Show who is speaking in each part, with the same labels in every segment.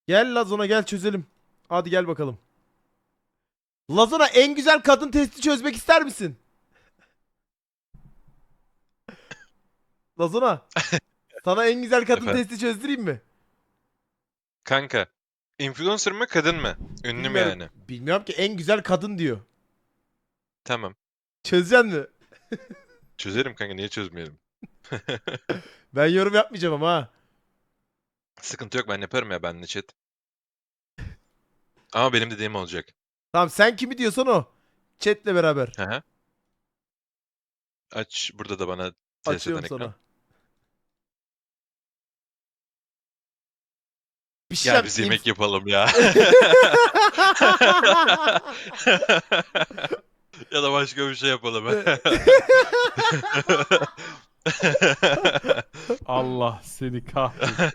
Speaker 1: Gel Lazona gel çözelim. Hadi gel bakalım. Lazona en güzel kadın testi çözmek ister misin? Lazona sana en güzel kadın
Speaker 2: Efendim?
Speaker 1: testi çözdüreyim mi?
Speaker 2: Kanka. Influencer mı kadın mı? Ünlü mü
Speaker 1: Bilmiyorum.
Speaker 2: yani?
Speaker 1: Bilmiyorum ki en güzel kadın diyor.
Speaker 2: Tamam.
Speaker 1: Çözeceksin mi?
Speaker 2: Çözerim kanka, niye çözmeyelim?
Speaker 1: Ben yorum yapmayacağım ama ha.
Speaker 2: Sıkıntı yok, ben yaparım ya, benle chat. Ama benim dediğim olacak.
Speaker 1: Tamam sen kimi diyorsan o. Chat'le beraber.
Speaker 2: Hı hı. Aç burada da bana test eden
Speaker 1: Açıyorum
Speaker 2: ekran.
Speaker 1: sana. Bir şey
Speaker 2: Gel
Speaker 1: diyeceğim,
Speaker 2: biz yemek yapalım ya. Ya da başka bir şey yapalım.
Speaker 3: Allah seni kahretsin.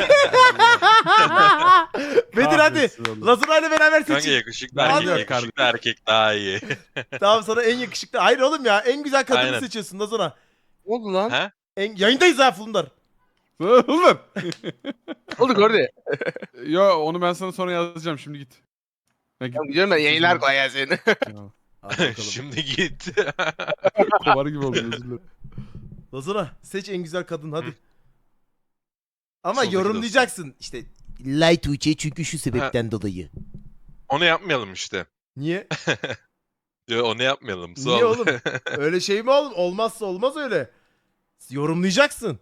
Speaker 1: Bedir hadi.
Speaker 3: Kahretsin oğlum.
Speaker 1: Lazona ile beraber
Speaker 2: Kanka
Speaker 1: seçin.
Speaker 2: yakışıklı
Speaker 3: Ben
Speaker 2: erkek,
Speaker 1: yok
Speaker 2: yakışıklı erkek daha iyi.
Speaker 1: Tamam sana en yakışıklı. Hayır oğlum ya en güzel kadını
Speaker 2: Aynen.
Speaker 1: seçiyorsun Lazona.
Speaker 4: Ne oldu lan?
Speaker 2: Ha?
Speaker 1: Yayındayız ha Fulundar.
Speaker 3: Oğlum.
Speaker 4: Oldu orada.
Speaker 3: Yo onu ben sana sonra yazacağım, şimdi git. Ya git.
Speaker 4: Tamam gidiyorum ben yayınlar kolay gelsin.
Speaker 3: Ya,
Speaker 1: Hadi bakalım.
Speaker 2: Şimdi git.
Speaker 3: kovar gibi oldum, özür dilerim.
Speaker 1: Lazona seç en güzel kadın hadi. Ama
Speaker 2: Soldaki
Speaker 1: yorumlayacaksın. İşte Light Tuğçe çünkü şu sebepten dolayı.
Speaker 2: Onu yapmayalım işte.
Speaker 1: Niye?
Speaker 2: Yo, onu yapmayalım.
Speaker 1: Niye
Speaker 2: Sol.
Speaker 1: oğlum? Öyle şey mi oğlum? Olmazsa olmaz öyle. Yorumlayacaksın.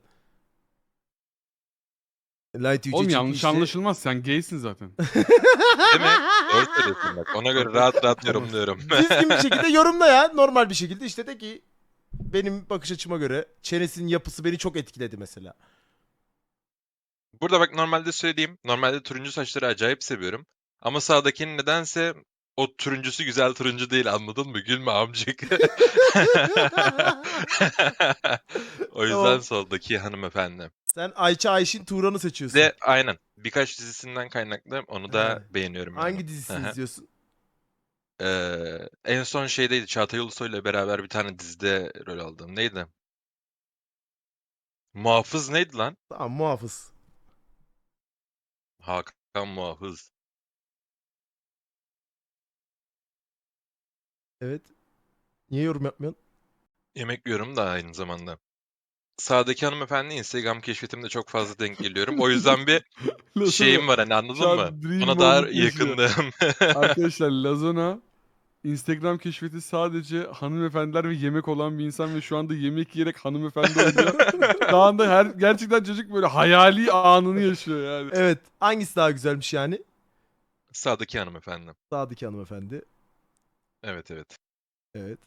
Speaker 1: Light Tuğçe
Speaker 3: Oğlum
Speaker 1: çünkü
Speaker 3: yanlış
Speaker 1: işte...
Speaker 3: anlaşılmaz, sen gaysin zaten.
Speaker 2: Değil mi? Doğru söylüyorsun bak. Ona göre rahat rahat yorumluyorum.
Speaker 1: Düzgün bir şekilde yorumla ya. Normal bir şekilde işte de ki benim bakış açıma göre çenesinin yapısı beni çok etkiledi mesela.
Speaker 2: Burada bak, normalde söyleyeyim. Normalde turuncu saçları acayip seviyorum. Ama sağdakinin nedense o turuncusu güzel turuncu değil, anladın mı? Gülme amcık. O yüzden
Speaker 1: Tamam.
Speaker 2: soldaki hanımefendi.
Speaker 1: Sen Ayça Ayşin Turan'ı seçiyorsun.
Speaker 2: De aynen. Birkaç dizisinden kaynaklı onu da
Speaker 1: He.
Speaker 2: beğeniyorum yani.
Speaker 1: Hangi dizisini
Speaker 2: Hı hı.
Speaker 1: izliyorsun?
Speaker 2: En son şeydeydi. Çağatay Ulusoy'la beraber bir tane dizide rol aldım. Neydi? Muhafız neydi lan?
Speaker 1: Tamam muhafız.
Speaker 2: Hakan Muhafız.
Speaker 1: Evet. Niye yorum yapmıyorsun?
Speaker 2: Yemek yiyorum da aynı zamanda. Sağdaki hanımefendi Instagram keşfetimde çok fazla denk geliyorum. O yüzden bir şeyim var, hani,
Speaker 3: Şu
Speaker 2: anladın mı?
Speaker 3: an dream
Speaker 2: Ona daha
Speaker 3: moment yaşıyor.
Speaker 2: yakındım.
Speaker 3: Arkadaşlar Lazona Instagram keşfeti sadece hanımefendiler ve yemek olan bir insan ve şu anda yemek yiyerek hanımefendi oluyor. Şu anda gerçekten çocuk böyle hayali anını yaşıyor yani.
Speaker 1: Evet. Hangisi daha güzelmiş yani?
Speaker 2: Sağdaki hanımefendi.
Speaker 1: Sağdaki hanımefendi.
Speaker 2: Evet, evet.
Speaker 1: Evet.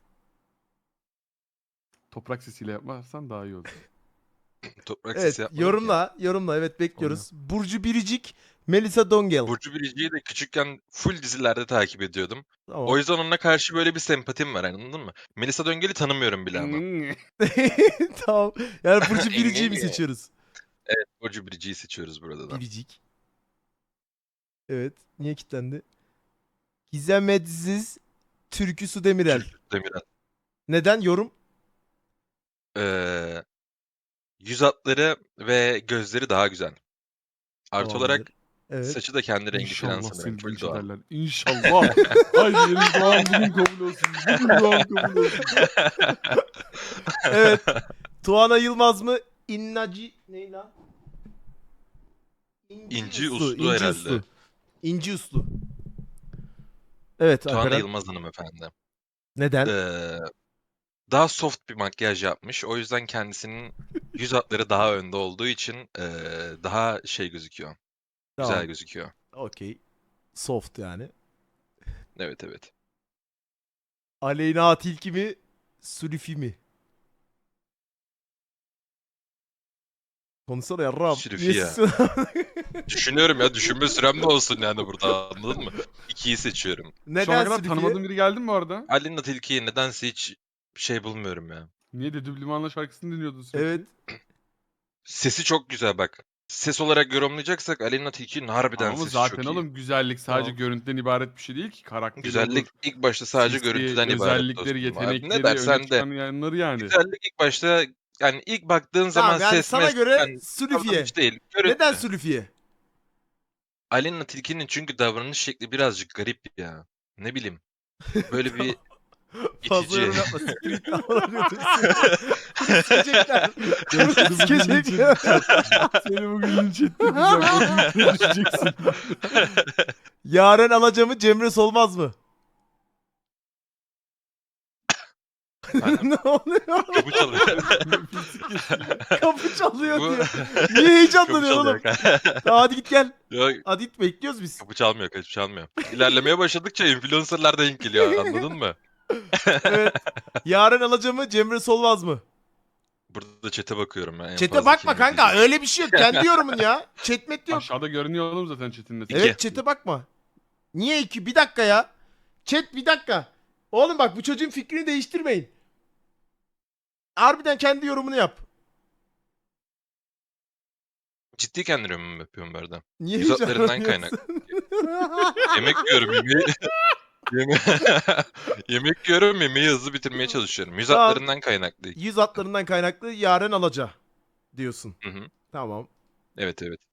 Speaker 3: Toprak sesiyle yaparsan daha iyi olur.
Speaker 2: Toprak
Speaker 1: Evet.
Speaker 2: sesi yapmadım ki.
Speaker 1: Yorumla. Yorumla. Evet bekliyoruz. Burcu Biricik. Melisa Dongel.
Speaker 2: Burcu Biricik'i de küçükken full dizilerde takip ediyordum. O
Speaker 1: Tamam.
Speaker 2: yüzden onunla karşı böyle bir sempatim var, anladın mı? Melisa Döngel'i tanımıyorum bile ama.
Speaker 1: Tamam. Yani Burcu Biricik'i mi seçiyoruz?
Speaker 2: Evet, Burcu Biricik'i seçiyoruz burada da.
Speaker 1: Biricik. Evet. Niye kilitlendi? Gizem Edziz. Türkü Su Demirel.
Speaker 2: Demirel.
Speaker 1: Neden? Yorum?
Speaker 2: Yüz hatları ve gözleri daha güzel. Artı olarak
Speaker 1: Tamamdır. Evet.
Speaker 2: saçı da kendi rengi falan
Speaker 3: İnşallah
Speaker 2: sanırım.
Speaker 3: seni
Speaker 2: Full
Speaker 3: linç
Speaker 2: doğal.
Speaker 3: ederler. İnşallah. Haydi yeni doğan bugün kabul olsun. Bugün doğan kabul olsun.
Speaker 1: Evet. Tuana Yılmaz mı? İnnaci ne lan?
Speaker 2: İnci Uslu
Speaker 1: İnci
Speaker 2: herhalde.
Speaker 1: Uslu. İnci Uslu. Evet
Speaker 2: Tuana
Speaker 1: Alperen.
Speaker 2: Yılmaz hanımefendi.
Speaker 1: Neden?
Speaker 2: Daha soft bir makyaj yapmış. O yüzden kendisinin yüz hatları daha önde olduğu için daha şey gözüküyor. Güzel
Speaker 1: Tamam.
Speaker 2: gözüküyor.
Speaker 1: Okey. Soft yani.
Speaker 2: Evet, evet.
Speaker 1: Aleyna Tilki mi? Sülüfi mi? Konuşsana yarrağım.
Speaker 2: Sülüfi
Speaker 1: Niye
Speaker 2: ya.
Speaker 1: susuyorsun?
Speaker 2: Düşünüyorum ya, düşünme sürem de olsun yani burada, anladın mı? İkiyi seçiyorum.
Speaker 3: Şu ana
Speaker 1: Neden
Speaker 3: kadar
Speaker 1: Sülüfi'ye?
Speaker 3: tanımadığın biri geldi mi bu arada?
Speaker 2: Alina Tilki'yi nedense hiç şey bulmuyorum ya.
Speaker 3: Niye de Düblimanla şarkısını dinliyordun sürekli?
Speaker 1: Evet.
Speaker 2: Sesi çok güzel bak. Ses olarak yorumlayacaksak Alina Tilki'nin harbiden
Speaker 3: Ama
Speaker 2: sesi
Speaker 3: zaten
Speaker 2: çok iyi.
Speaker 3: oğlum güzellik sadece
Speaker 1: Tamam.
Speaker 3: görüntüden ibaret bir şey değil ki. Karakteri
Speaker 2: Güzellik
Speaker 3: olur.
Speaker 2: ilk başta sadece
Speaker 3: Sesi,
Speaker 2: görüntüden ibaret
Speaker 3: özellikleri,
Speaker 2: dostum. Abi ne
Speaker 3: yetenekleri, öne
Speaker 2: dersen de.
Speaker 3: çıkan yanları yani.
Speaker 2: Güzellik ilk başta, yani ilk baktığın zaman
Speaker 1: Tamam yani
Speaker 2: ses
Speaker 1: sana
Speaker 2: mes
Speaker 1: göre
Speaker 2: yani
Speaker 1: Sülüfi'ye.
Speaker 2: davranış değil. Görüntü.
Speaker 1: Neden Sülüfi'ye?
Speaker 2: Aleyna Tilki'nin çünkü davranış şekli birazcık garip ya. Ne bileyim. Böyle bir
Speaker 1: Fazla
Speaker 2: itici.
Speaker 1: yorum yapma. Siktir git lan. Bunu sikecekler.
Speaker 3: Ben
Speaker 1: Bunu
Speaker 3: seni bugün
Speaker 1: sikecekler.
Speaker 3: Seni bugün linç ettireceğim. O tweet'e düşeceksin.
Speaker 1: Yaren Alaca Cemre Solmaz mı?
Speaker 2: Efendim?
Speaker 1: Ne oluyor?
Speaker 2: Kapı çalıyor.
Speaker 3: Nefesi kesildi.
Speaker 1: Kapı çalıyor
Speaker 2: Bu
Speaker 1: diyor. Niye heyecanlanıyorsun
Speaker 2: kapı
Speaker 1: oğlum?
Speaker 2: çalıyor.
Speaker 1: Tamam, hadi git gel.
Speaker 2: Yok,
Speaker 1: Hadi git, bekliyoruz biz.
Speaker 2: kapı çalmıyor, kapı çalmıyor. İlerlemeye başladıkça influencer'lar denk geliyor, anladın mı?
Speaker 1: Evet. Yaren Alaca Cemre Solmaz mı?
Speaker 2: Burada chat'e bakıyorum ben en
Speaker 1: Chat'e
Speaker 2: fazla
Speaker 1: bakma
Speaker 2: kim
Speaker 1: kanka.
Speaker 2: izleyecek.
Speaker 1: Öyle bir şey yok. Kendi yorumun ya. Chat met yok.
Speaker 3: Aşağıda görünüyor oğlum zaten chat'inde.
Speaker 2: İki.
Speaker 1: Evet, chat'e bakma. Niye iki? Bir dakika ya. Chat, bir dakika. Oğlum bak, bu çocuğun fikrini değiştirmeyin. Harbiden kendi yorumunu yap.
Speaker 2: Ciddi kendi yorumumu yapıyorum bu arada.
Speaker 1: Niye
Speaker 2: Yüz hatlarından
Speaker 1: heyecanlanıyorsun?
Speaker 2: Yemek yiyorum, yemek yiyorum, yemeği hızlı bitirmeye çalışıyorum. Yüz
Speaker 1: Tamam.
Speaker 2: hatlarından kaynaklı.
Speaker 1: Yüz hatlarından kaynaklı Yaren Alaca diyorsun.
Speaker 2: Hı hı.
Speaker 1: Tamam.
Speaker 2: Evet evet.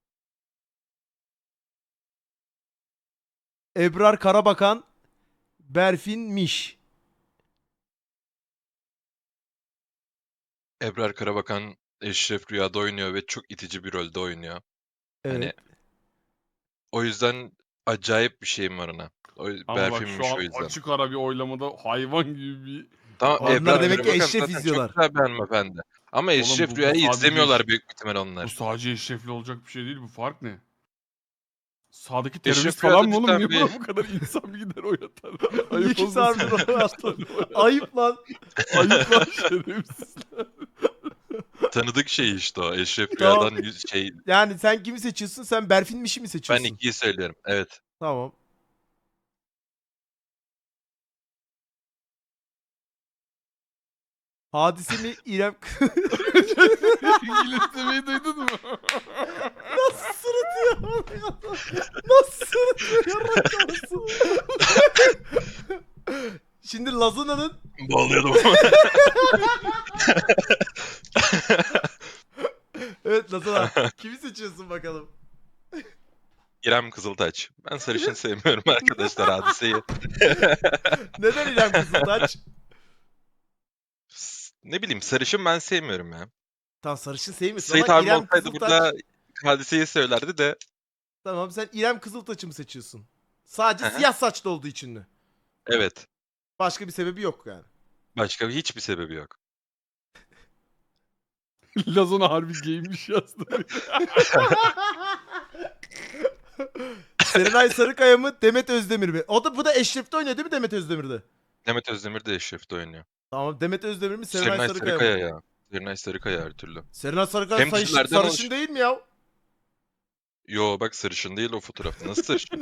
Speaker 1: Ebrar Karabakan, Berfin Miş.
Speaker 2: Ebrar Karabakan Eşref Rüya'da oynuyor ve çok itici bir rolde oynuyor.
Speaker 1: Evet.
Speaker 2: Hani o yüzden acayip bir şeyim var ona.
Speaker 3: Ama bak
Speaker 2: Berfin'miş
Speaker 3: şu
Speaker 2: o
Speaker 3: an
Speaker 2: yüzden.
Speaker 3: açık ara bir oylamada hayvan gibi bir...
Speaker 2: Tamam,
Speaker 1: Onlar
Speaker 2: Ebrar
Speaker 1: demek ki
Speaker 2: Karabakan
Speaker 1: Eşref
Speaker 2: zaten
Speaker 1: izliyorlar.
Speaker 2: çok güzel bir hanımefendi. Ama
Speaker 3: Oğlum
Speaker 2: Eşref
Speaker 3: bu
Speaker 2: Rüya'yı
Speaker 3: sadece
Speaker 2: izlemiyorlar
Speaker 3: eş-
Speaker 2: büyük ihtimal
Speaker 3: Bu
Speaker 2: onlar.
Speaker 3: sadece eşrefli olacak bir şey değil. Bu fark ne? Sağdaki
Speaker 2: Eşref
Speaker 3: terörist
Speaker 2: Rüya'da
Speaker 3: falan mı oğlum?
Speaker 2: cidden
Speaker 3: Niye
Speaker 2: bir-
Speaker 3: buna bu kadar insan bir gider oynatar?
Speaker 1: Niye ki
Speaker 3: olmasın.
Speaker 1: sarmıyor o yaptı? Ayıp lan.
Speaker 3: Ayıp lan şerefsizler.
Speaker 2: Tanıdık şey işte o. Eşref
Speaker 1: Tamam.
Speaker 2: Rüya'dan şey.
Speaker 1: Yani sen kimi seçiyorsun? Sen Berfin Miş'i mi
Speaker 2: Ben
Speaker 1: seçiyorsun?
Speaker 2: ikiyi söylüyorum. Evet.
Speaker 1: Tamam. Hadise mi İrem...
Speaker 3: İngiliz demeyi duydun mu?
Speaker 1: Nasıl sırıtıyor? Nasıl sırıtıyor? Yarrak kafası. Şimdi Lazuna'nın...
Speaker 2: Bağlıyordum.
Speaker 1: Evet Lazuna. Kimi seçiyorsun bakalım?
Speaker 2: İrem Kızıltaç. Ben sarışın sevmiyorum arkadaşlar hadiseyi.
Speaker 1: Neden İrem Kızıltaç?
Speaker 2: Ne bileyim, sarışın ben sevmiyorum ya.
Speaker 1: Tamam, sarışın sevmiyorsun
Speaker 2: Sait
Speaker 1: ama
Speaker 2: abi
Speaker 1: İrem
Speaker 2: olsaydı
Speaker 1: Kızıltaç...
Speaker 2: burada hadiseyi söylerdi de.
Speaker 1: Tamam, sen İrem Kızıltaç'ı mı seçiyorsun? Sadece
Speaker 2: Hı hı.
Speaker 1: siyah saçlı olduğu için mi?
Speaker 2: Evet.
Speaker 1: Başka bir sebebi yok yani.
Speaker 2: Başka hiçbir sebebi yok.
Speaker 3: Lazona harbi giymiş yazdı.
Speaker 1: Serenay Sarıkaya mı Demet Özdemir mi? Bu da Eşref'te oynuyor değil mi Demet Özdemir'de?
Speaker 2: Demet Özdemir de Eşref'te oynuyor.
Speaker 1: Tamam, Demet Özdemir mi Serenay
Speaker 2: Serenay
Speaker 1: Sarıkaya mı?
Speaker 2: Sarıkaya ya. Serenay Sarıkaya her türlü.
Speaker 1: Serenay Sarıkaya
Speaker 2: Hem dizilerden
Speaker 1: sarışın
Speaker 2: oluşuyor.
Speaker 1: değil mi ya?
Speaker 2: Yo bak, sarışın değil o fotoğrafta. Nasıl sarışın?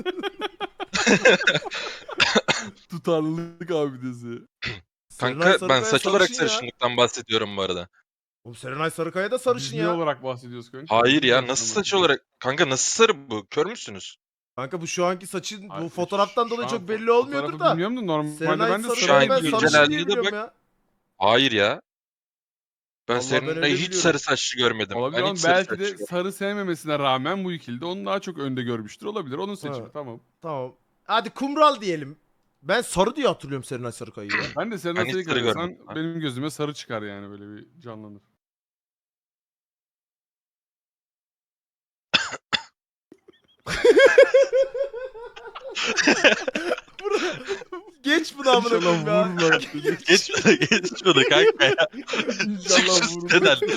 Speaker 3: Tutarlılık abidesi.
Speaker 1: Serenay
Speaker 2: Kanka ben
Speaker 1: Sarıkaya
Speaker 2: saç olarak
Speaker 1: sarışın ya.
Speaker 2: sarışınlıktan bahsediyorum bu arada.
Speaker 1: Oğlum Serenay Sarıkaya da sarışın
Speaker 3: Biz ne
Speaker 1: ya.
Speaker 3: olarak bahsediyoruz kanka?
Speaker 2: Hayır
Speaker 3: Biz
Speaker 2: ya,
Speaker 3: ne
Speaker 2: nasıl saç
Speaker 3: bahsediyoruz?
Speaker 2: olarak? Kanka nasıl sarı bu? Kör müsünüz?
Speaker 1: Kanka bu şu anki saçın bu
Speaker 3: Ay,
Speaker 1: fotoğraftan
Speaker 3: şu
Speaker 1: dolayı
Speaker 3: an
Speaker 1: çok belli olmuyordur
Speaker 3: fotoğrafı
Speaker 1: da.
Speaker 3: Bilmiyorum da normalde
Speaker 1: Serenay
Speaker 3: ben de
Speaker 1: Sarıkaya ben
Speaker 2: güncel
Speaker 1: sarışın
Speaker 2: halini
Speaker 1: diye
Speaker 2: de
Speaker 1: biliyorum
Speaker 2: bak.
Speaker 1: ya.
Speaker 2: Hayır ya. Ben
Speaker 1: Vallahi ben öyle
Speaker 2: Serenay'ı hiç
Speaker 1: biliyorum.
Speaker 2: sarı saçlı görmedim.
Speaker 3: olabilir
Speaker 2: Ben
Speaker 3: ama
Speaker 2: hiç sarı
Speaker 3: belki
Speaker 2: saçlı
Speaker 3: de
Speaker 2: görmedim.
Speaker 3: sarı sevmemesine rağmen bu ikili de onu daha çok önde görmüştür. Olabilir. Onun seçimi
Speaker 1: Ha.
Speaker 3: tamam.
Speaker 1: Tamam. Hadi kumral diyelim. Ben sarı diye hatırlıyorum Serenay Sarıkaya'yı ya.
Speaker 3: Ben de
Speaker 2: Ben
Speaker 3: Serenay
Speaker 2: hiç
Speaker 3: Sarıkaya
Speaker 2: sarı
Speaker 3: desen
Speaker 2: görmedim. Ha?
Speaker 3: benim gözüme sarı çıkar yani böyle bir canlanır.
Speaker 1: Geç bunu amına
Speaker 3: İnşallah
Speaker 1: koyayım ya.
Speaker 3: vururlar.
Speaker 2: Geç şunu kanka ya. Çık
Speaker 3: İnşallah
Speaker 2: şu
Speaker 3: vururlar.
Speaker 2: siteden.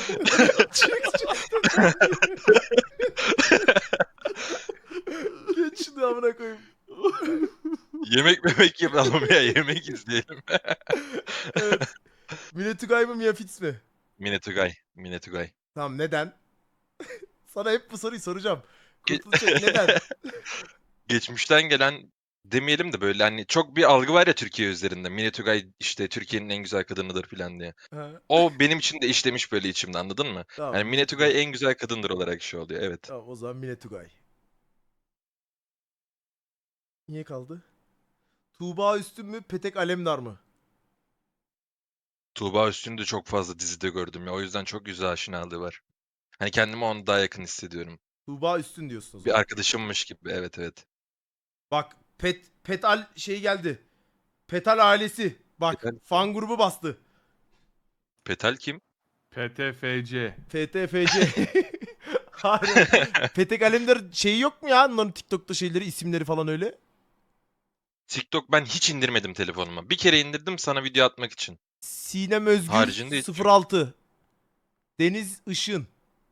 Speaker 1: Geç şunu amına koyayım.
Speaker 2: Yemek yapalım ya, yemek izleyelim.
Speaker 1: Evet. Mine Tugay mı Mia Fitz mi?
Speaker 2: Mine Tugay. Mine Tugay.
Speaker 1: Tamam, neden? Sana hep bu soruyu soracağım.
Speaker 2: Ge-
Speaker 1: Kurtulacak neden?
Speaker 2: Geçmişten gelen demeyelim de böyle hani çok bir algı var ya Türkiye üzerinde. Mine Tugay işte Türkiye'nin en güzel kadınıdır falan diye.
Speaker 1: Ha,
Speaker 2: O benim için de işlemiş böyle içimde, anladın mı?
Speaker 1: tamam,
Speaker 2: Yani Mine Tugay en güzel kadındır olarak şey oluyor, evet.
Speaker 1: Tamam, o zaman Mine Tugay. Niye kaldı? Tuğba Üstün mü Petek Alemdar mı?
Speaker 2: Tuğba Üstün'ü de çok fazla dizide gördüm ya, o yüzden çok güzel aşinalığı var. Hani kendimi ona daha yakın hissediyorum.
Speaker 1: Tuğba Üstün diyorsun o
Speaker 2: Bir
Speaker 1: zaman.
Speaker 2: arkadaşımmış gibi. Evet evet.
Speaker 1: Bak Petal şey geldi. Petal ailesi. Bak
Speaker 2: Petal.
Speaker 1: fan grubu bastı.
Speaker 2: Petal kim?
Speaker 3: PTFC.
Speaker 1: FTFC. Hayır. Petek Alemdar şeyi yok mu ya? Onların TikTok'ta şeyleri, isimleri falan öyle.
Speaker 2: TikTok ben hiç indirmedim telefonuma. Bir kere indirdim sana video atmak için.
Speaker 1: Sinem Özgür
Speaker 2: Haricinde hiç yok.
Speaker 1: 06. Deniz Işın.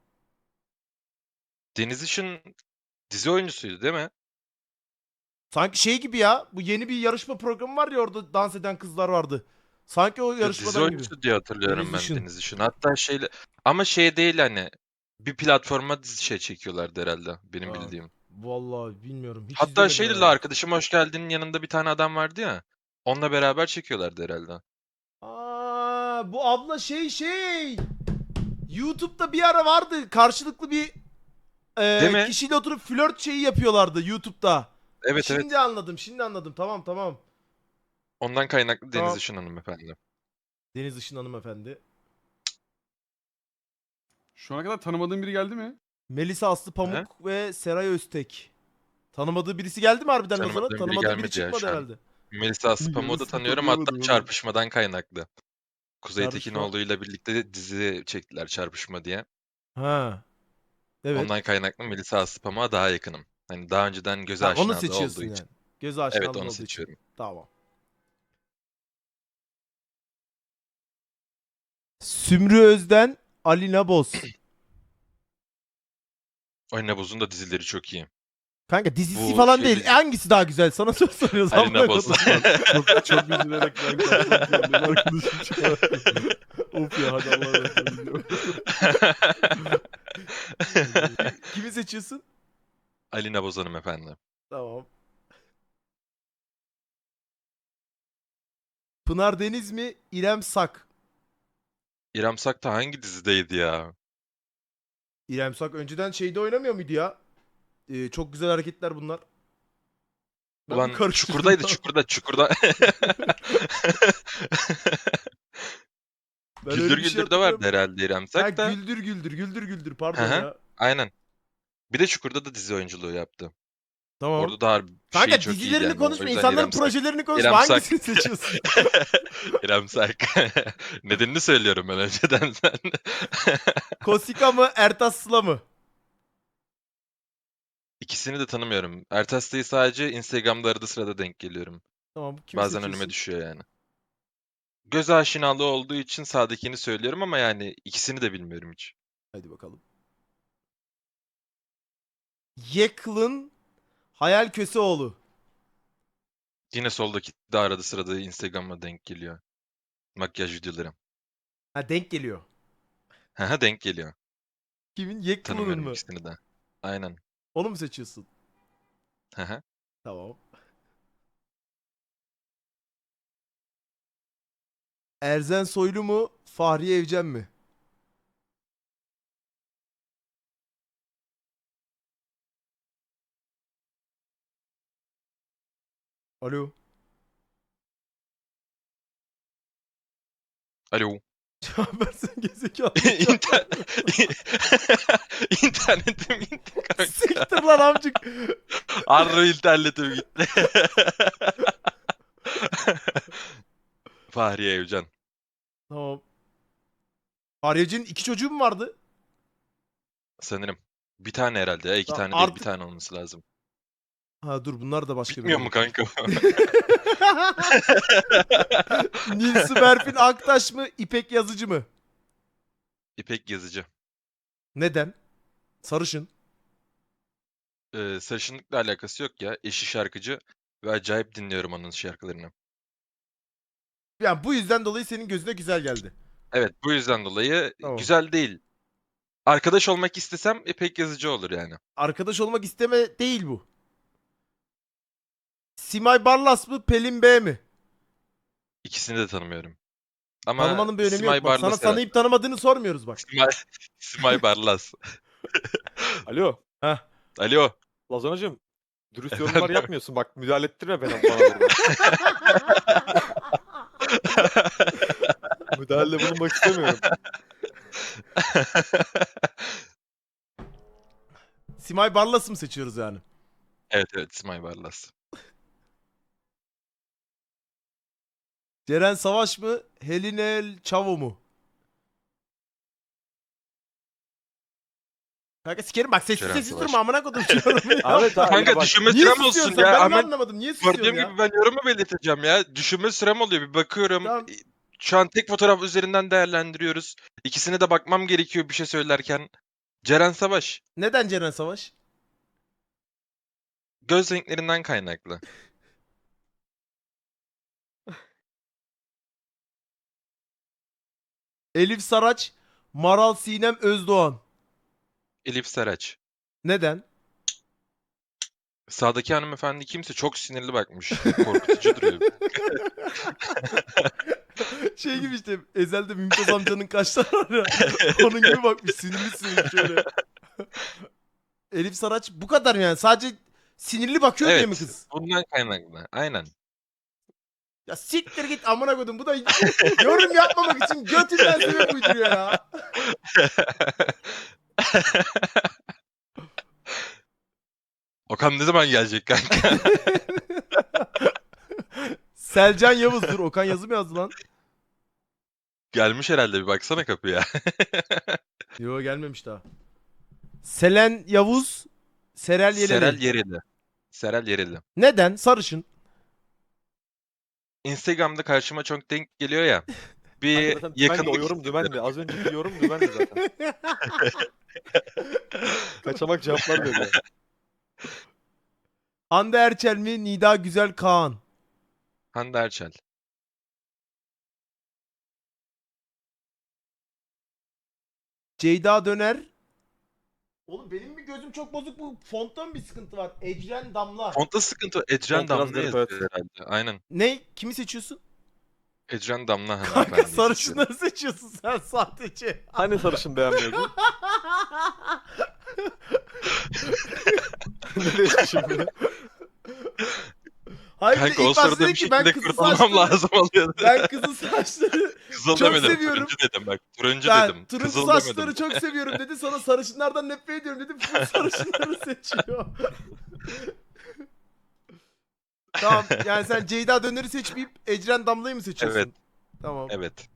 Speaker 2: Deniz Işın dizi oyuncusuydu değil mi?
Speaker 1: Sanki şey gibi ya. Bu yeni bir yarışma programı var ya, orada dans eden kızlar vardı. Sanki o
Speaker 2: Ya dizi
Speaker 1: yarışmadan gibi.
Speaker 2: oyuncusu diye hatırlıyorum
Speaker 1: Deniz
Speaker 2: ben
Speaker 1: Işın.
Speaker 2: Deniz Işın. Hatta şeyle ama şey değil hani bir platforma dizi şey çekiyorlardı herhalde benim
Speaker 1: Aa,
Speaker 2: bildiğim.
Speaker 1: vallahi bilmiyorum. Hiç
Speaker 2: Hatta
Speaker 1: izlemedim
Speaker 2: şeyle
Speaker 1: herhalde.
Speaker 2: arkadaşım hoş geldinin yanında bir tane adam vardı ya. Onunla beraber çekiyorlardı herhalde.
Speaker 1: Aa, bu abla şey. YouTube'da bir ara vardı. Karşılıklı bir
Speaker 2: Değil mi?
Speaker 1: kişiyle oturup flört şeyi yapıyorlardı YouTube'da.
Speaker 2: Evet evet.
Speaker 1: Şimdi anladım. Tamam.
Speaker 2: Ondan kaynaklı Deniz
Speaker 1: Tamam.
Speaker 2: Işın hanımefendi.
Speaker 1: Deniz Işın hanımefendi.
Speaker 3: Şu ana kadar tanımadığın biri geldi mi?
Speaker 1: Melisa Aslı Pamuk
Speaker 2: Hı?
Speaker 1: ve Seray Öztek. Tanımadığı birisi geldi mi harbiden Lazona?
Speaker 2: Tanımadığım biri
Speaker 1: Tanımadığı biri
Speaker 2: gelmedi ya
Speaker 1: çıkmadı
Speaker 2: şu an.
Speaker 1: herhalde.
Speaker 2: Melisa Aslıpamuk'u da
Speaker 3: Yarısını
Speaker 2: tanıyorum
Speaker 3: tanıyamadım
Speaker 2: hatta
Speaker 3: oğlum.
Speaker 2: çarpışmadan kaynaklı. Kuzey
Speaker 1: Çarpışma.
Speaker 2: Tekinoğlu'yla birlikte dizi çektiler Çarpışma diye.
Speaker 1: Ha. Evet.
Speaker 2: Ondan kaynaklı Melisa Aslıpamuk'a daha yakınım. Hani daha önceden göze
Speaker 1: Ha, onu
Speaker 2: aşinalığı olduğu
Speaker 1: seçiyorsun
Speaker 2: için.
Speaker 1: yani. Göz
Speaker 2: Evet
Speaker 1: aşinalığın
Speaker 2: onu
Speaker 1: olduğu için.
Speaker 2: seçiyorum.
Speaker 1: Tamam. Sümrü Özden, Alina Boz.
Speaker 2: Alina Boz'un da dizileri çok iyi.
Speaker 1: Kanka dizisi
Speaker 2: Bu
Speaker 1: falan
Speaker 2: şey
Speaker 1: değil.
Speaker 2: dizi-
Speaker 1: Hangisi daha güzel? Sana soruyoruz.
Speaker 2: Alina
Speaker 1: amına
Speaker 2: Boz.
Speaker 1: kodum.
Speaker 3: Çok üzülerek ben kapatıyorum. Benim arkadaşım çağırdı. Of ya hadi Allah'a emanet olun.
Speaker 1: Kimi seçiyorsun?
Speaker 2: Alina Boz hanımefendi.
Speaker 1: Tamam. Pınar Deniz mi? İrem Sak.
Speaker 2: İrem Sak da hangi dizideydi ya?
Speaker 1: İrem Sak önceden şeyde oynamıyor muydu ya? Çok güzel hareketler bunlar. Ben mi
Speaker 2: Ulan
Speaker 1: karıştırdım
Speaker 2: Çukur'daydı
Speaker 1: ya?
Speaker 2: Çukur'da.
Speaker 1: Ben öyle
Speaker 2: Güldür
Speaker 1: bir şey
Speaker 2: Güldür'de vardı
Speaker 1: hatırlıyorum.
Speaker 2: herhalde İrem
Speaker 1: Ha
Speaker 2: Sak da.
Speaker 1: güldür
Speaker 2: Hı
Speaker 1: pardon
Speaker 2: hı,
Speaker 1: ya.
Speaker 2: aynen. Bir de Çukur'da da dizi oyunculuğu yaptı.
Speaker 1: Tamam.
Speaker 2: Orada da harbi şeyi
Speaker 1: Kanka
Speaker 2: çok iyiydi
Speaker 1: dizilerini
Speaker 2: yani. O
Speaker 1: konuşma,
Speaker 2: yüzden
Speaker 1: insanların
Speaker 2: İrem Sak.
Speaker 1: projelerini konuşma.
Speaker 2: İrem Sak.
Speaker 1: Hangisini seçiyorsun?
Speaker 2: İrem Sak. Nedenini söylüyorum ben önceden sen.
Speaker 1: Kosika mı, Ertas Sıla mı?
Speaker 2: İkisini de tanımıyorum. Ertes'teyi sadece Instagram'da arada sırada denk geliyorum.
Speaker 1: Tamam, kimi
Speaker 2: Bazen
Speaker 1: seçiyorsun?
Speaker 2: önüme düşüyor yani. Göz aşinalığı olduğu için sağdakini söylüyorum ama yani ikisini de bilmiyorum hiç.
Speaker 1: Hadi bakalım. Yeklın Hayal Köseoğlu.
Speaker 2: Yine soldaki de arada sırada Instagram'a denk geliyor. Makyaj videoları.
Speaker 1: Ha, denk geliyor.
Speaker 2: Haha denk geliyor.
Speaker 1: Kimin? Yeklın'ın
Speaker 2: Tanımıyorum
Speaker 1: mı?
Speaker 2: ikisini de. Aynen.
Speaker 1: Onu mu seçiyorsun?
Speaker 2: Haha.
Speaker 1: Tamam. Erzen Soylu mu, Fahriye Evcen mi? Alo.
Speaker 2: Alo.
Speaker 1: Cevap versene gezekalı.
Speaker 2: İnter... İnternetim gitti kanka.
Speaker 1: Siktir lan amcık.
Speaker 2: Arro internetim gitti. Fahriye Evcen.
Speaker 1: Tamam. Fahriye Evcen'in 2 çocuğu mu vardı?
Speaker 2: Sanırım. Bir tane herhalde ya. İki
Speaker 1: Tamam,
Speaker 2: tane değil bir
Speaker 1: artık...
Speaker 2: tane olması lazım.
Speaker 1: Ha dur, bunlar da başka
Speaker 2: Bitmiyor
Speaker 1: biri.
Speaker 2: mu kanka?
Speaker 1: Nilsu Berfin Aktaş mı, İpek Yazıcı mı?
Speaker 2: İpek Yazıcı.
Speaker 1: Neden? Sarışın.
Speaker 2: Sarışınlıkla alakası yok ya. Eşi şarkıcı ve acayip dinliyorum onun şarkılarını.
Speaker 1: Yani bu yüzden dolayı senin gözüne güzel geldi.
Speaker 2: Evet bu yüzden dolayı
Speaker 1: Tamam.
Speaker 2: güzel değil. Arkadaş olmak istesem İpek Yazıcı olur yani.
Speaker 1: Arkadaş olmak isteme değil bu. Simay Barlas mı, Pelin B mi?
Speaker 2: İkisini de tanımıyorum. Ama
Speaker 1: Tanımanın bir önemi
Speaker 2: Simay
Speaker 1: yok. Bak, sana
Speaker 2: Barlas herhalde.
Speaker 1: tanıyıp tanımadığını sormuyoruz bak.
Speaker 2: Simay Barlas.
Speaker 5: Alo.
Speaker 1: Heh.
Speaker 2: Alo.
Speaker 5: Lazonacığım. Dürüst
Speaker 2: Efendim?
Speaker 5: yorumlar yapmıyorsun. Bak müdahale ettirme bana burada. Müdahalede bulunmak istemiyorum.
Speaker 1: Simay Barlas'ı mı seçiyoruz yani?
Speaker 2: Evet Simay Barlas.
Speaker 1: Ceren Savaş mı? Helinel Çavo mu? Kanka sikerim bak sessiz
Speaker 2: Ceren
Speaker 1: sessiz
Speaker 2: Savaş.
Speaker 1: durma amına kodum diyorum ya.
Speaker 5: Ahmet abi
Speaker 2: Kanka
Speaker 5: bak.
Speaker 2: düşünme
Speaker 1: Niye
Speaker 2: sürem olsun
Speaker 1: susuyorsun
Speaker 2: ya.
Speaker 1: Ben de
Speaker 2: Hemen
Speaker 1: anlamadım. Niye susuyorsun
Speaker 2: gördüğüm
Speaker 1: ya?
Speaker 2: gibi ben yorumu belirteceğim ya. Düşünme sürem oluyor. Bir bakıyorum.
Speaker 1: Tamam.
Speaker 2: Şu an tek fotoğraf üzerinden değerlendiriyoruz. İkisine de bakmam gerekiyor bir şey söylerken. Ceren Savaş.
Speaker 1: Neden Ceren Savaş?
Speaker 2: Göz renklerinden kaynaklı.
Speaker 1: Elif Saraç, Maral Sinem Özdoğan.
Speaker 2: Elif Saraç.
Speaker 1: Neden?
Speaker 2: Sağdaki hanımefendi kimse çok sinirli bakmış. Korkutucu duruyor.
Speaker 1: Şey gibi işte Ezel'de Mümtaz amcanın kaşları var ya. Onun gibi bakmış sinirli sinirli şöyle. Elif Saraç bu kadar yani. Sadece sinirli bakıyor diye mi
Speaker 2: Evet.
Speaker 1: kız?
Speaker 2: Bundan kaynaklı. Aynen.
Speaker 1: Ya siktir git amına koydum. Bu da yorum yapmamak için götünden sebep uyduruyor ya.
Speaker 2: Okan ne zaman gelecek kanka?
Speaker 1: Selcan Yavuz dur. Okan yazı mı yazdı lan?
Speaker 2: Gelmiş herhalde bir baksana kapıya.
Speaker 1: Yo gelmemiş daha. Selen Yavuz, Serel Yeleli.
Speaker 2: Serel Yereli. Serel Yereli.
Speaker 1: Neden? Sarışın.
Speaker 2: Instagram'da karşıma çok denk geliyor ya.
Speaker 5: Kanka
Speaker 2: Bir
Speaker 5: zaten dümendi, o
Speaker 2: yakınlık
Speaker 5: yorum dümendi. Az önceki yorum dümendi zaten. Kaçamak cevaplar veriyor.
Speaker 1: Hande Erçel mi? Nida Güzel Kaan.
Speaker 2: Hande Erçel.
Speaker 1: Ceyda Döner. Oğlum benim mi gözüm çok bozuk bu fonttan bir sıkıntı var. Ecren Damla.
Speaker 2: Fontta sıkıntı. Ecren
Speaker 5: Font biraz
Speaker 2: Damla
Speaker 5: garip,
Speaker 2: yazıyor herhalde. Aynen.
Speaker 1: Ne? Kimi seçiyorsun?
Speaker 2: Ecren Damla
Speaker 1: Kanka
Speaker 2: hanımefendi.
Speaker 1: sarışınları seçiyorsun sen sadece.
Speaker 5: Hani sarışın beğenmiyordun? Nereye şimdi?
Speaker 1: Hayır bir de
Speaker 2: Kanka o
Speaker 1: ilk başta
Speaker 2: sırada
Speaker 1: dedi
Speaker 2: bir
Speaker 1: ki ben
Speaker 2: şekilde
Speaker 1: kızıl
Speaker 2: kurtulmam
Speaker 1: saçları,
Speaker 2: lazım oluyordu.
Speaker 1: ben kızıl saçları,
Speaker 2: Kızıl
Speaker 1: çok
Speaker 2: demedim.
Speaker 1: seviyorum.
Speaker 2: Turuncu dedim bak. Turuncu
Speaker 1: ben
Speaker 2: dedim.
Speaker 1: turuncu
Speaker 2: Kızıl
Speaker 1: saçları
Speaker 2: demedim.
Speaker 1: çok seviyorum dedi. Sonra sarışınlardan nefret ediyorum dedi. Full sarışınları seçiyor. Tamam yani sen Ceyda Döner'i seçmeyip Ecren Damla'yı mı seçiyorsun?
Speaker 2: Evet.
Speaker 1: Tamam.
Speaker 2: Evet.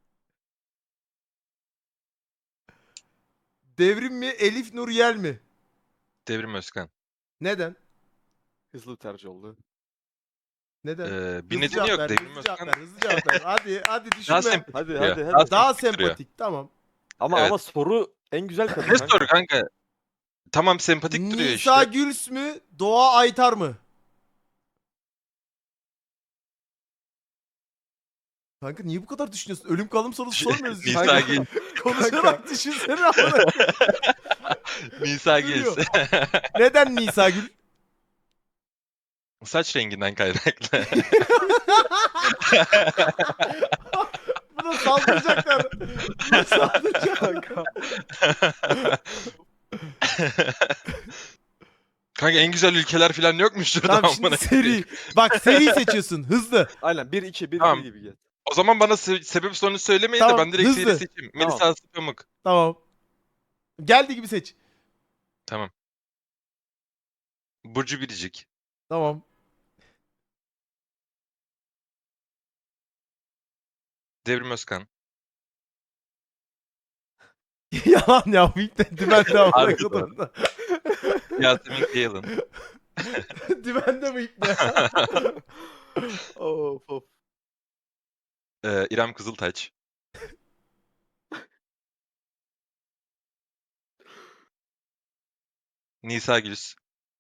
Speaker 1: Devrim mi Elif Nur Yel mi?
Speaker 2: Devrim Özkan.
Speaker 1: Neden?
Speaker 5: Hızlı bir tercih oldu.
Speaker 1: Neden?
Speaker 2: Bir
Speaker 1: Hızlı
Speaker 2: nedeni
Speaker 1: cevap
Speaker 2: yok.
Speaker 1: ver,
Speaker 2: Devrim
Speaker 1: hızlı cevap
Speaker 2: Özkan
Speaker 1: ver, hızlı cevap ver. Hadi
Speaker 2: daha
Speaker 1: düşünme.
Speaker 2: sempatik
Speaker 5: Hadi
Speaker 2: duruyor.
Speaker 5: hadi hadi.
Speaker 1: Daha
Speaker 2: sempatik duruyor.
Speaker 1: sempatik tamam.
Speaker 5: Ama
Speaker 2: Evet.
Speaker 5: ama soru en güzel kadın.
Speaker 2: Ne
Speaker 5: kanka.
Speaker 2: soru kanka? Tamam sempatik duruyor
Speaker 1: Nisa
Speaker 2: işte.
Speaker 1: Güls mü Doğa Aytar mı? Kanka niye bu kadar düşünüyorsun? Ölüm kalım sorusu sormuyoruz.
Speaker 2: Nisa
Speaker 5: Kanka.
Speaker 2: Gil.
Speaker 1: Konuşarak düşünsene amına.
Speaker 2: Nisa
Speaker 1: Duruyor.
Speaker 2: Gil.
Speaker 1: Neden Nisa Gül?
Speaker 2: Saç renginden kaynaklı.
Speaker 1: Buna saldıracaklar. Buna saldıracaklar.
Speaker 2: Kanka en güzel ülkeler falan yokmuş şurada.
Speaker 1: Tamam şimdi
Speaker 2: amına
Speaker 1: seri.
Speaker 2: koyayım.
Speaker 1: Bak seri seçiyorsun. Hızlı.
Speaker 5: Aynen 1-2 1-2
Speaker 2: Tamam.
Speaker 5: gibi gel.
Speaker 2: O zaman bana sebep sonuç söylemeyin
Speaker 1: Tamam,
Speaker 2: de ben direkt
Speaker 1: hızlı.
Speaker 2: seri seçeyim.
Speaker 5: Tamam.
Speaker 2: Melisa Aslı Pamuk.
Speaker 1: Tamam. Geldi gibi seç.
Speaker 2: Tamam. Burcu Biricik.
Speaker 1: Tamam.
Speaker 2: Devrim Özkan.
Speaker 1: Yalan ya bu ilk de dümende amına
Speaker 2: Harbiden.
Speaker 1: kodum.
Speaker 2: Yasemin Kayalın.
Speaker 1: Dümende bu ilk de.
Speaker 5: Of of.
Speaker 2: İrem Kızıltaç. Nisa Güls.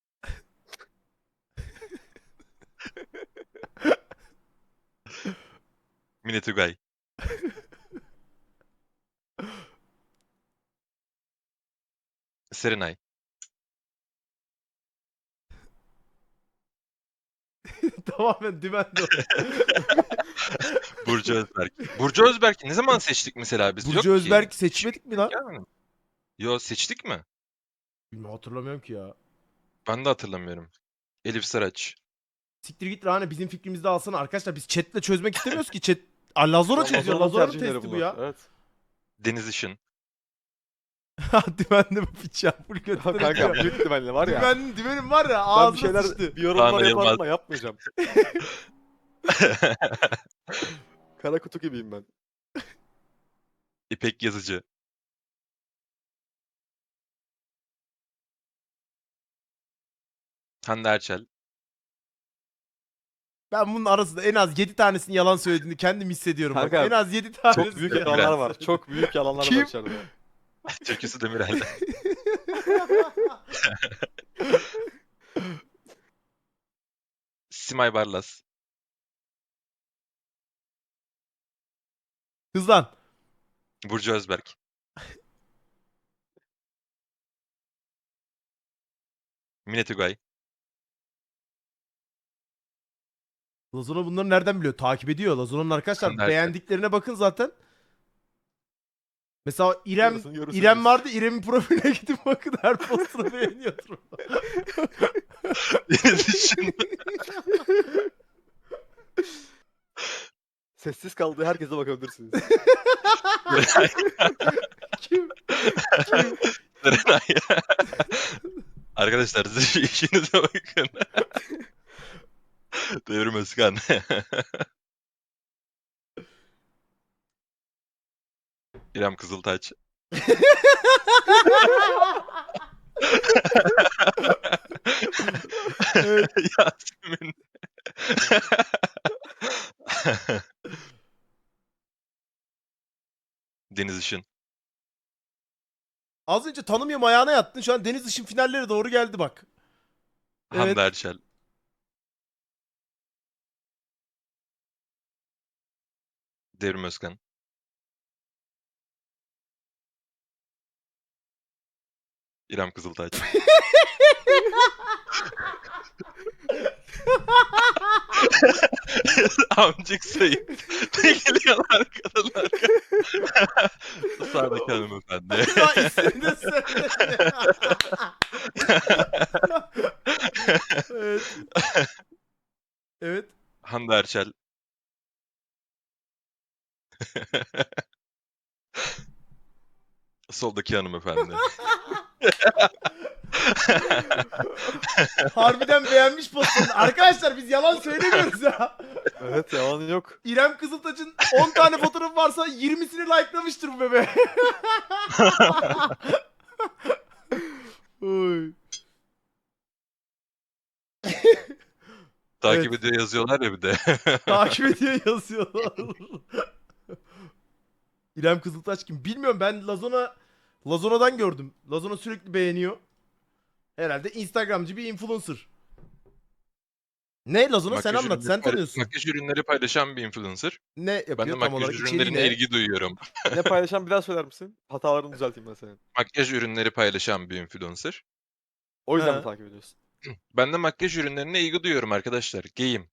Speaker 2: Mine Tugay. Serenay.
Speaker 1: Tamamen dümende.
Speaker 2: Burcu Özberk. Burcu Özberk'i ne zaman seçtik mesela biz? Yok
Speaker 1: Burcu
Speaker 2: ki.
Speaker 1: Özberk seçmedik mi lan?
Speaker 2: Yani. Yo seçtik mi?
Speaker 1: Bilmiyorum hatırlamıyorum ki ya.
Speaker 2: Ben de hatırlamıyorum. Elif Saraç.
Speaker 1: Siktir git Rane bizim fikrimizde alsana arkadaşlar biz chatle çözmek istemiyoruz ki chat. Lazora çözüyor.
Speaker 5: Lazona'nın
Speaker 1: Lazora'nın
Speaker 5: tercihleri
Speaker 1: testi bu
Speaker 5: bunlar.
Speaker 1: ya.
Speaker 5: Evet.
Speaker 2: Deniz Işın.
Speaker 1: Dümenli bu piç ya. Full götüne
Speaker 5: Kanka
Speaker 1: gidiyor.
Speaker 5: büyük ihtimalle var ya.
Speaker 1: Dümenim var ya
Speaker 5: Ben bir
Speaker 1: ağzına
Speaker 5: şeyler,
Speaker 1: sıçtı.
Speaker 5: bir yorumlar
Speaker 2: Kaan
Speaker 5: yaparım
Speaker 2: Yılmaz.
Speaker 5: ama yapmayacağım. Kara kutu gibiyim ben.
Speaker 2: İpek Yazıcı. Hande Erçel.
Speaker 1: Ben bunun arasında en az 7 tanesini yalan söylediğini kendim hissediyorum.
Speaker 5: Kanka,
Speaker 1: bak. En az 7 tanesi.
Speaker 5: Çok büyük yalanlar var. Çok büyük yalanlar
Speaker 1: Kim?
Speaker 5: var içeride.
Speaker 2: Türküsü Demirel. Simay Barlas.
Speaker 1: Hızlan.
Speaker 2: Burcu Özberk. Mine Tugay.
Speaker 1: Lazona bunları nereden biliyor? Takip ediyor. Lazona'nın arkadaşlar
Speaker 2: Hande Erçel.
Speaker 1: beğendiklerine bakın zaten. Mesela İrem
Speaker 5: Yarısını görürsünüz.
Speaker 1: İrem vardı. İrem'in profiline gidip bakın her postunu beğeniyordur.
Speaker 2: Düşün.
Speaker 5: Sessiz kaldığı herkese bakabilirsiniz.
Speaker 1: Kim?
Speaker 2: Serenay. Arkadaşlar siz işinize bakın. Devrim Özkan. İrem Kızıltaç. Yasemin. Deniz Işın.
Speaker 1: Az önce tanımıyorum ayağına yattın. Şu an Deniz Işın finalleri doğru geldi bak. Evet.
Speaker 2: Hande Erçel. Devrim Özkan. İrem Kızıltaç. Amcık Sayın. Ne geliyorlar kadınlar? Sağdaki hanımefendi.
Speaker 1: Daha ismini de söyledi. Evet. Evet.
Speaker 2: Hande Erçel. Soldaki hanımefendi.
Speaker 1: Harbiden beğenmiş postunu. Arkadaşlar biz yalan söylemiyoruz ya.
Speaker 5: Evet yalan yok.
Speaker 1: İrem Kızıltaç'ın 10 tane fotoğrafı varsa 20'sini likelamıştır bu bebe. Oy.
Speaker 2: Takip
Speaker 1: Evet.
Speaker 2: ediyor yazıyorlar ya bir de.
Speaker 1: Takip ediyor yazıyorlar. İrem Kızıltaç kim? Bilmiyorum ben Lazona'dan gördüm. Lazona sürekli beğeniyor. Herhalde Instagramcı bir influencer. Ne Lazona sen
Speaker 2: Makyaj
Speaker 1: anlat
Speaker 2: ürünleri
Speaker 1: sen tanıyorsun.
Speaker 2: Makyaj ürünleri paylaşan bir influencer.
Speaker 1: Ne yapıyor
Speaker 2: Ben de
Speaker 1: tam
Speaker 2: makyaj
Speaker 1: olarak içeriği
Speaker 2: ürünlerine
Speaker 1: ne?
Speaker 2: ilgi duyuyorum.
Speaker 5: Ne paylaşan bir daha söyler misin? Hatalarını düzelteyim ben senin.
Speaker 2: Makyaj ürünleri paylaşan bir influencer.
Speaker 5: O yüzden
Speaker 1: Ha.
Speaker 5: mi takip ediyorsun?
Speaker 2: Ben de makyaj ürünlerine ilgi duyuyorum arkadaşlar. Geyim.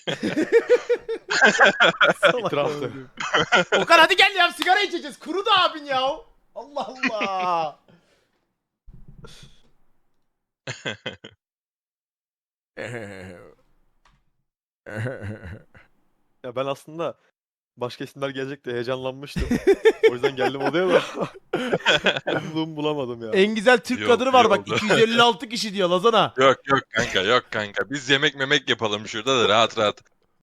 Speaker 1: Salak
Speaker 5: İtiraftı.
Speaker 1: oğlum. Okan hadi gel ya sigara içeceğiz. Kuru da abin ya. Allah Allah.
Speaker 5: Ya ben aslında başka isimler gelecek diye heyecanlanmıştım. O yüzden geldim odaya da. Umduğumu bulamadım ya.
Speaker 1: En güzel Türk
Speaker 2: İyi
Speaker 1: kadını
Speaker 2: oldu,
Speaker 1: var
Speaker 2: iyi
Speaker 1: bak
Speaker 2: oldu.
Speaker 1: 256 kişi diyor Lazana.
Speaker 2: Yok kanka yok kanka. Biz yemek memek yapalım şurada da rahat rahat.